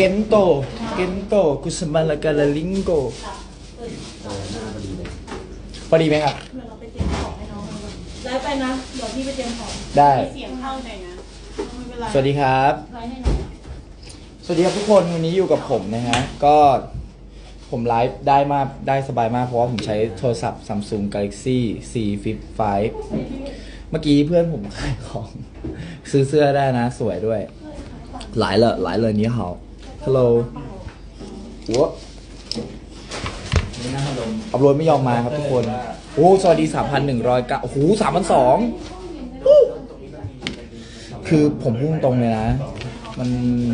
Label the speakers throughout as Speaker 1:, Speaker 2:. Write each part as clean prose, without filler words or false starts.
Speaker 1: เกนโตกุสมาลากาลาลิงโกพอดีไหมครับ
Speaker 2: เดี๋ยวเราไปเตรียมของให้น้องกันได้ไปนะเดี๋ยวพี่ไปเตรียมของ
Speaker 1: ได้
Speaker 2: มีเสียงเข้าใจนะไม่เป็นไร
Speaker 1: สวัสดีครับ
Speaker 2: ไลฟ์ให้หน่อย
Speaker 1: สวัสดีครับทุกคนวันนี้อยู่กับผมนะฮะก็ผมไลฟ์ได้สบายมากเพราะว่าผมใช้โทรศัพท์ Samsung Galaxy C Flip 5เมื่อกี้เพื่อนผมขายของซื้อเสื้อได้นะสวยด้วยหลายเลยนี้เหรอฮัลโหลหัวอัพโหลดไม่ยอมมาครับทุกคนโอ้สวัสดี 3,109โอ้โห3,200คือผมพูดตรงเลยนะมัน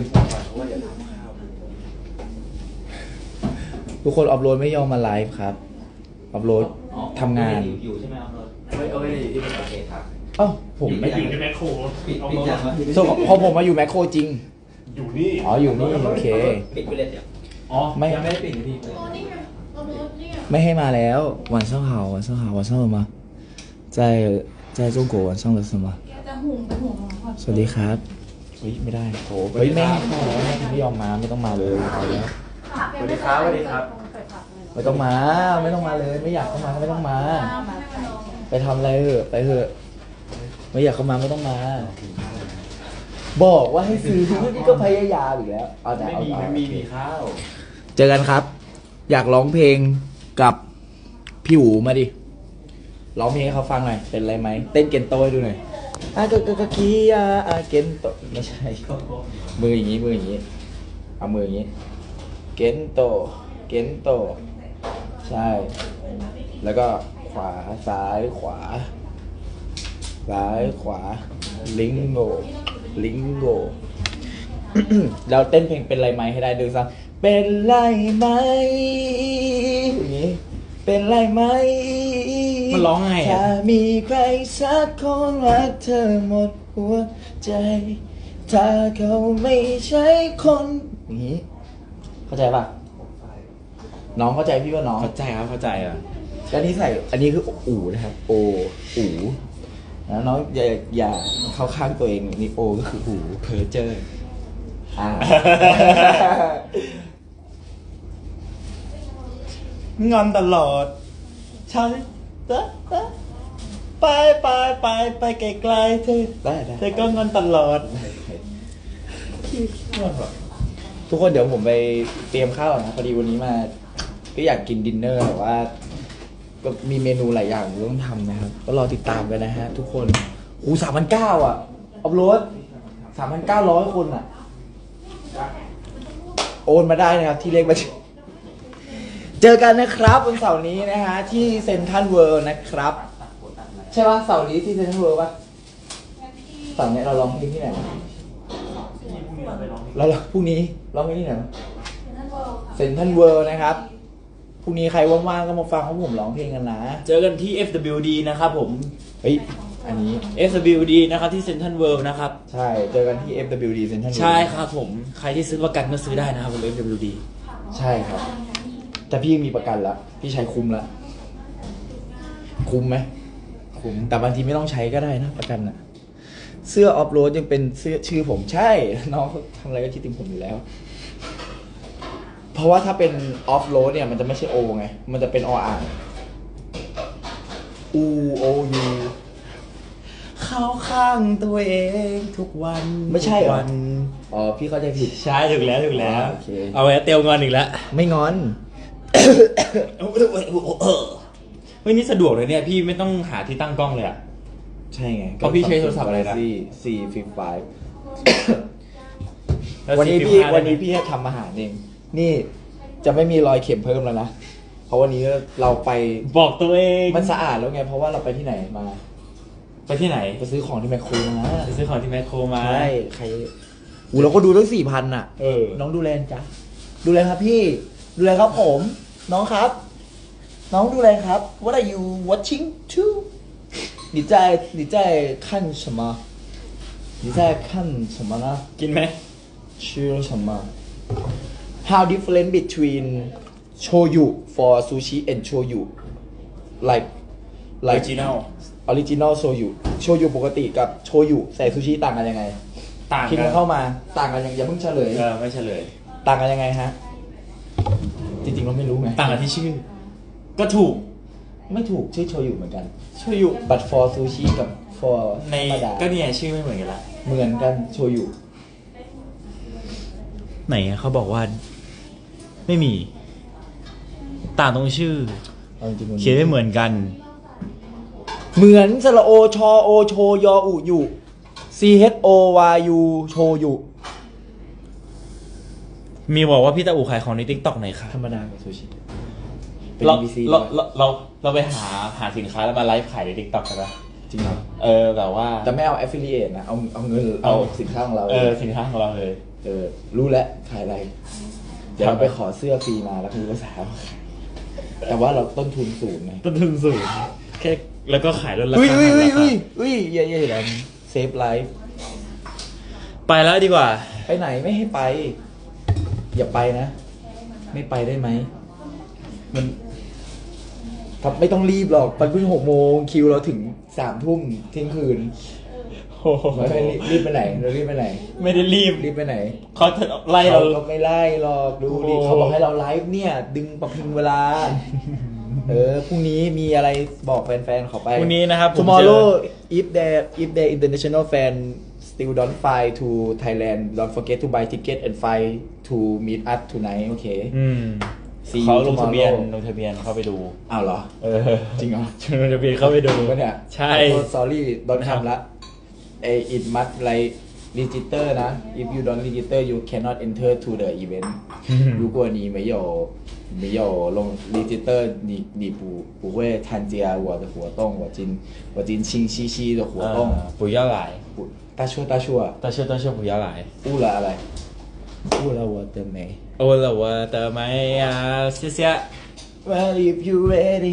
Speaker 1: ทุกคนอัพโหลดไม่ยอมมาไลฟ์ครับอัพโหลดทำงาน
Speaker 3: อยู่ใช่ไหมอัพโหลดไม่ได้อยู่ที่ประเทศครับ
Speaker 1: เอ้าผมไม่
Speaker 4: อยู่ในแมคโคร
Speaker 3: ปิดยัง
Speaker 1: ส่วนพอผมมาอยู่แมคโครจริง
Speaker 4: อยู่นี่
Speaker 1: อ๋ออยู่นี่โอเค
Speaker 3: ปิดไปเลยเดี๋ยว
Speaker 1: อ๋อไม่
Speaker 3: ยังไม่ได้ปิดพี่
Speaker 1: ไม่ให้มาแล้ว晚上好晚上好晚上了吗在中国晚上了是吗
Speaker 2: จะหุ่มไปหุ่มของก่อน
Speaker 1: สวัสดีครับเฮ้ยไม่ได้โถเฮ้ยไม่ให้เข้าแล้วไม่ยอมมาไม่ต้องมาเลยเอาแล้ว
Speaker 4: สวัสดีครับสวัสดีครับ
Speaker 1: ไม่ต้องมาเลยไม่อยากเข้ามาก็ไม่ต้องมา ไปทำอะไรเถอะไปเถอะไม่อยากเข้ามาไม่ต้องมา บอกว่าให้ซื้อนี่ก็พยายามอีกแล้วเอาแต่เอา
Speaker 3: มีข้าว
Speaker 1: เจอกันครับ อยากร้องเพลงกับพี่หูมาดิร้องเพลงให้เขาฟังหน่อยเป็นไรไหมเต้นเกนโตให้ดูหน่อยก็คีเกนโตไม่ใช่มืออย่างนี้เอามืออย่างนี้เกนโตใช่แล้วก็ขวาซ้ายขวาลิงโก เราเต้นเพลงเป็นไรไหมให้ได้ดูซ้ำเป็นไรไหมอย่างนี้เป็นไรไหม
Speaker 3: มันร้องไงอ่ะ
Speaker 1: ถ้ามีใครสักคนรักเธอหมดหัวใจ ถ้าเขาไม่ใช่คนอย่างนี้เข้าใจป่ะน้องเข้าใจพี่ว่าน้อง
Speaker 3: เข้าใจครับเข้าใจอ่ะ
Speaker 1: แล้วนี่ใส่อันนี้คืออู่นะครับโออู่แล้วน้องอย่าเข้าข้างตัวเองนี่โอก็คืออู่
Speaker 3: เพอเจอร์
Speaker 1: งอนตลอดใช่ไปไกลๆเธอได้เธอก็งอนตลอดทุกคนเดี๋ยวผมไปเตรียมข้าวนะพอดีวันนี้มาก็อยากกินดินเนอร์แต่ว่าก็มีเมนูหลายอย่างต้องทำนะครับก็รอติดตามกันนะฮะทุกคน3,900อ่ะอัพโหลด3,900 คนอ่ะโอนมาได้นะครับที่เลขบัญชีเจอกันนะครับวันเสาร์นี้นะฮะที่เซ็นทรัลเวิลด์นะครับใช่ป่ะเสาร์นี้ที่เซ็นทรัลเวิลด์ป่ะเสาร์นี้เราร้องเพลงที่ไหนเราพรุ่งนี้ร้องเพลงที่ไหนเซ็นทรัลเวิลด์นะครับพรุ่งนี้ใครว่างๆก็มาฟังพวกผมร้องเพลงกันนะ
Speaker 3: เจอกันที่ FWD นะครับผม
Speaker 1: เฮ้ยอันนี้
Speaker 3: FWD นะครับที่เซ็นทรัลเวิลด์นะครับ
Speaker 1: ใช่เจอกันที่ FWD เซ็นทรัลเวิลด์
Speaker 3: ใช่ครับผมใครที่ซื้อประกันก็ซื้อได้นะครับบน FWD
Speaker 1: ใช่ครับแต่พี่มีประกันแล้วพี่ใช้คุ้มแล้วคุ้มไหมคุ้มแต่บางทีไม่ต้องใช้ก็ได้นะประกันอะเสื้อออฟโรดยังเป็นเสื้อชื่อผมใช่น้องเขาทำอะไรก็คิดถึงผมอยู่แล้ว เพราะว่าถ้าเป็นออฟโรดเนี่ยมันจะไม่ใช่โอไงมันจะเป็นออ่างอูโอยูเข้าข้างตัวเองทุกวันไม่ใช่เหรออ๋อพี่เข้าใจผิด
Speaker 3: ใช่ถูกแล้ว
Speaker 1: โอเค
Speaker 3: เอาไว้เตียวงอนอีกแล้ว
Speaker 1: ไม่งอน
Speaker 3: เฮ้ยนี่สะดวกเลยเนี่ยพี่ไม่ต้องหาที่ตั้งกล้องเลยอ่ะ
Speaker 1: ใช่ไง
Speaker 3: เพราะพี่ใช้โทรศัพท์อะไรนะ
Speaker 1: C Flip
Speaker 3: แล้ว
Speaker 1: 5วันนี้
Speaker 3: 45
Speaker 1: พี่จะทำอาหารเองนี่จะไม่มีรอยเข็มเพิ่มแล้วนะเพราะวันนี้เราไป
Speaker 3: บอกตัวเอง
Speaker 1: มันสะอาดแล้วไงเพราะว่าเราไปที่ไหนมา
Speaker 3: ไปที่ไหน
Speaker 1: ไปซื้อของที่แมคโครมา
Speaker 3: ไปซื้อของที่แมคโครมา
Speaker 1: ใช่ใครเราก็ดูตั้ง4,000อ่ะ
Speaker 3: เออ
Speaker 1: น้องดูแลจ้ะดูแลครับพี่ดูแลครับผม น้องครับ น้องดูแลครับ What are you watching too 你在看什么你在看什么呢
Speaker 3: กินไหม
Speaker 1: 吃什么 How different between shoyu for sushi and shoyu like
Speaker 3: ออริจินัล
Speaker 1: original shoyu ปกติกับโชยุใส่ซูชิต่างกันยังไง
Speaker 3: ต่าง
Speaker 1: คิด
Speaker 3: กั
Speaker 1: กัน นเข้ามาต่างกันยังอย่าเพิ่งเฉลย
Speaker 3: ไม่เฉลย
Speaker 1: ต่างกันยังไงฮะ จริงๆเราไม่รู้ไง
Speaker 3: ต่างกันที่ชื่อ ก็ถูก
Speaker 1: ไม่ถูกชื่อโชยุเหมือนกัน
Speaker 3: โชยุ
Speaker 1: but for sushi กับ for
Speaker 3: ใน
Speaker 1: ธรรมดา
Speaker 3: ก็เนี่ยชื่อไม่เหมือนกันละ
Speaker 1: เหมือนกันโชยุ
Speaker 3: ไหนเขาบอกว่า ไม่มี ต่างตรงชื่อ
Speaker 1: เอาจริงๆมัน
Speaker 3: เขียนไม่เหมือนกัน
Speaker 1: เหมือนสระโอชอโอโชยออุยุ C H O Y U โชยุ
Speaker 3: มีบอกว่าพี่ตาอูขายของในทิกตอกไหนคะ
Speaker 1: ธรรมดากับซูชิเป็น
Speaker 3: เรา
Speaker 1: BBC
Speaker 3: เราไปหาสินค้าแล้วมาไลฟ์ขายในทิกตอกกันปะ
Speaker 1: จริงเหรอ
Speaker 3: แบบว่า
Speaker 1: แต่ไม่เอา affiliate นะ เอาเงินเอาสินค้าของเรา
Speaker 3: สินค้าของเราเลย
Speaker 1: รู้แล้วขายอะไร เดี๋ยวเราไปขอเสื้อฟรีมาแล้วคือภาษามาขายแต่ว่าเราต้นทุนสูงไง
Speaker 3: ต้นทุนสูงแค่แล้วก็ขายลดรา
Speaker 1: อุ้ย
Speaker 3: คา
Speaker 1: อุ้ย
Speaker 3: รา
Speaker 1: อุ้ย
Speaker 3: คา
Speaker 1: อุ้ยอย่าอย่าเซฟไลฟ์
Speaker 3: ไปแล้วดีกว่า
Speaker 1: ไปไหนไม่ให้ไป อย่าไปนะ ไม่ไปได้ไหมมันไม่ต้องรีบหรอกมันเพิ่ง6 โมงคิวเราถึง3 ทุ่มเที่ยงคืน
Speaker 3: โอ้โห
Speaker 1: ไม่รีบไปไหนเรารีบไปไหน
Speaker 3: ไม่ได้รีบ
Speaker 1: รีบไปไหน
Speaker 3: เขาจะไล่เรา
Speaker 1: ก็ไม่ไล่หรอกดูดิ
Speaker 3: โอ้โห
Speaker 1: เขาบอกให้เราไลฟ์เนี่ย ดึงประพิงเวลา พรุ่งนี้มีอะไรบอกแฟนๆขอไป
Speaker 3: พรุ่งนี้นะครับผม
Speaker 1: Tomorrow if there international fan still don't fly to Thailand don't forget to buy ticket and fly to meet us tonight โอเค See you
Speaker 3: เขาลงทะเบียน
Speaker 1: tomorrow
Speaker 3: ลงทะเบียนเข้าไปดู
Speaker 1: อ้าวเหรอ จริงเหรอ
Speaker 3: ลงทะเบียนเข้าไปดู
Speaker 1: ถูกปะเนี่ย
Speaker 3: ใช่
Speaker 1: sorry don't
Speaker 3: ครับ
Speaker 1: ทำละit must like register นะ if you don't register you cannot enter to the event 如果你没有ลง register你不会参加我的活动我今清晰晰的活动
Speaker 3: 不要来
Speaker 1: 大错大错
Speaker 3: 大秀不要来
Speaker 1: 误了อะไร误了我的美
Speaker 3: 误了我的美啊谢谢
Speaker 1: Well if you ready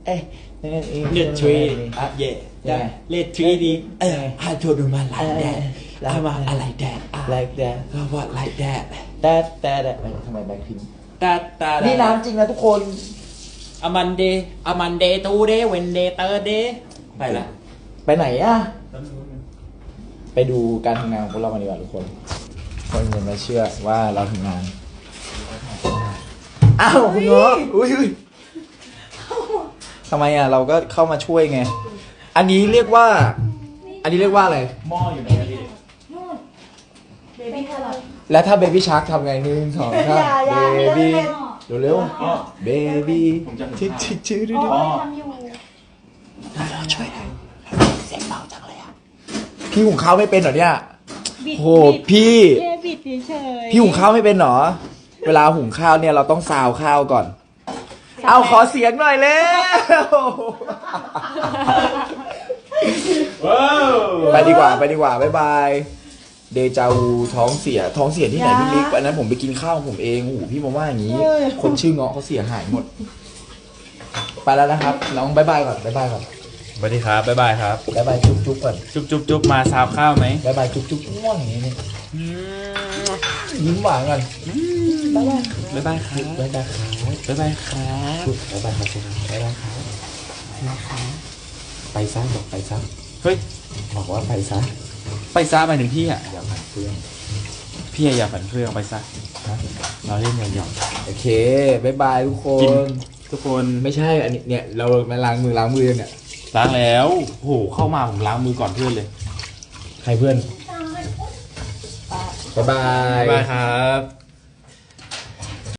Speaker 3: Let treat yeah Let treat it I told you my like that I'm a like that
Speaker 1: like that
Speaker 3: what like that
Speaker 1: แต่ทำไมแบ็คพิง
Speaker 3: that
Speaker 1: นี่น้ำจริงนะทุกคน
Speaker 3: a Monday Tuesday Wednesday Thursday ไปละ
Speaker 1: ไปไหนอะไปดูการทำงานของพวกเรามาดีกว่าทุกคนคนจะไม่เชื่อว่าเราทำงาน อ้าวคุณเงาะอุ้ยทำไมอะเราก็เข้ามาช่วยไง อันนี้เรียกว่าอะไร
Speaker 3: หม้ออยู่ไหนพี่
Speaker 2: เบบี้แครอท
Speaker 1: แล้วถ้าเบบี้ชาร์กทำไง1 2 3
Speaker 2: อย่า
Speaker 1: เบบี้เร็ว
Speaker 3: อ๋อ
Speaker 1: ๆเบบี้ชิชื่อดู
Speaker 2: อ๋อทำอยู่
Speaker 1: ช่วยหน่อยเสียงเบาจังเลยอะพี่หุงข้าวไม่เป็นเหรอเนี่ย
Speaker 2: บิด
Speaker 1: โหพี่
Speaker 2: แค่บิดเฉย
Speaker 1: พี่หุงข้าวไม่เป็นเหรอ เวลาหุงข้าวเนี่ยเราต้องซาวข้าวก่อน เอาขอเสียงหน่อยเร็ว
Speaker 3: ว้าว
Speaker 1: ไปดีกว่าบ๊ายบาย เดจาวูท้องเสียที่ไหนพี่บิ๊กอันนั้นผมไปกินข้าวของผมเองโอ้โหพี่มาว่าอย่างนี้ คนชื่อเงาะเขาเสียหายหมด ไปแล้วนะครับน้องบ๊ายบายก่อน
Speaker 3: สวัสดีครับบ๊ายบายครับ
Speaker 1: บ๊ายบายจุ๊บก่อน
Speaker 3: จุ๊บมาซาวข้าวไหม
Speaker 1: บ๊ายบายจุ๊บง่วงอย่างนี้นี่ยิ้มหวานก่อนบ๊ายบาย
Speaker 3: บ๊ายบายครับ
Speaker 1: บ๊ายบายครับ
Speaker 3: บ๊ายบายครับ
Speaker 1: บ๊ายบายครับบ๊ายบายครับไปซะบอกไปซะ
Speaker 3: เฮ้ย
Speaker 1: บอกว่าไปซะ
Speaker 3: ไปซะหมายถึงพี่อ่ะ
Speaker 1: อย่าผ่านเพื่อน
Speaker 3: พี่อย่าฝันเฟื่องไปซะ
Speaker 1: นะ
Speaker 3: เราเล่นหยอก
Speaker 1: โอเคบ๊ายบายทุกค
Speaker 3: กิน
Speaker 1: น
Speaker 3: ๆทุกคน
Speaker 1: ไม่ใช่อันนี้เนี่ยเรามาล้างมือยังเนี่ย
Speaker 3: ล้างแล้วโหเข้ามาผมล้างมือก่อนเพื่อนเลย
Speaker 1: ใครเพื่อนบ๊ายบา
Speaker 3: บ๊าย ยบายครับ